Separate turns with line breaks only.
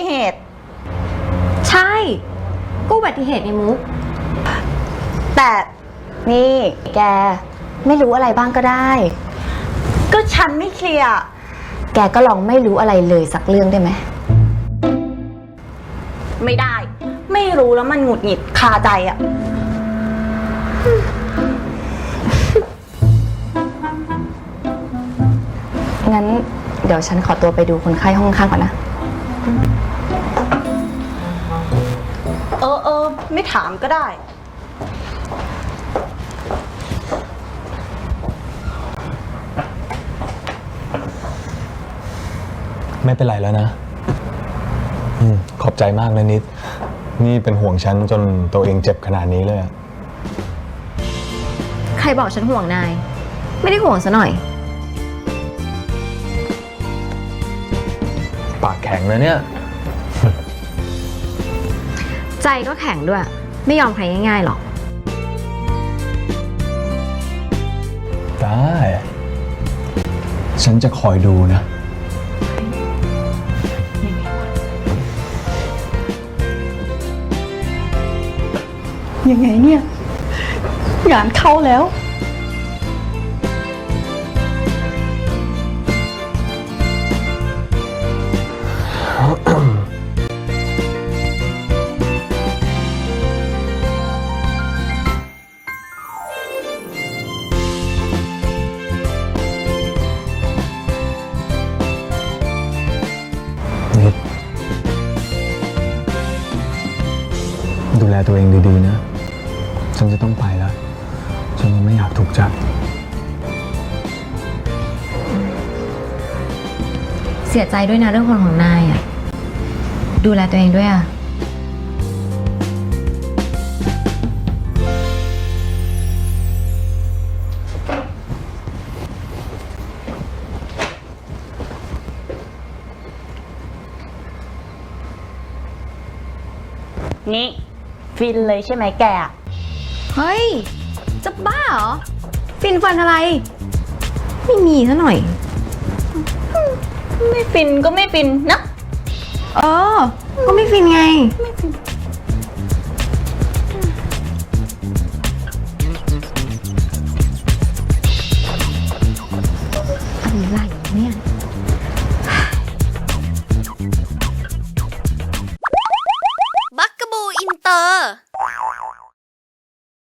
ติเหตุ
ใช่ก็อุบัติเหตุในมุก
แต่นี่แกไม่รู้อะไรบ้างก็ได้ ก็ฉันไม่เคลียร์แกก็ลองไม่รู้อะไรเลยสักเรื่องได้ไหมไม่ได้ไม่รู้แล้วมันหงุดหงิดคาใจอ่ะงั้นเดี๋ยวฉันขอตัวไปดูคนไข้ห้องข้างก่อนนะไม่ถามก็ได้
ไม่เป็นไรแล้วนะขอบใจมากนะนิดนี่เป็นห่วงฉันจนตัวเองเจ็บขนาดนี้เลย
ใครบอกฉันห่วงนายไม่ได้ห่วงซะหน่อย
ปากแข็งนะเนี่ย
ใจก็แข็งด้วยไม่ยอมใครง่ายๆหรอก
ได้ฉันจะคอยดูนะ
ยังไงเนี่ยงานเข้าแล้ว
นิดดูแลตัวเองดีๆนะฉันจะต้องไปแล้วฉันยังไม่อยากถูกจับ
เสียใจด้วยนะเรื่องคนของนายอ่ะดูแลตัวเองด้วยอ่ะ
นี่ฟินเลยใช่ไหมแก
เฮ้ยจะบ้าเหรอฟินฟันอะไรไม่มีซะหน่อย
ไม่ฟินก็ไม่ฟินนะ
ก็ไม่ฟินไง
ไม่ฟิน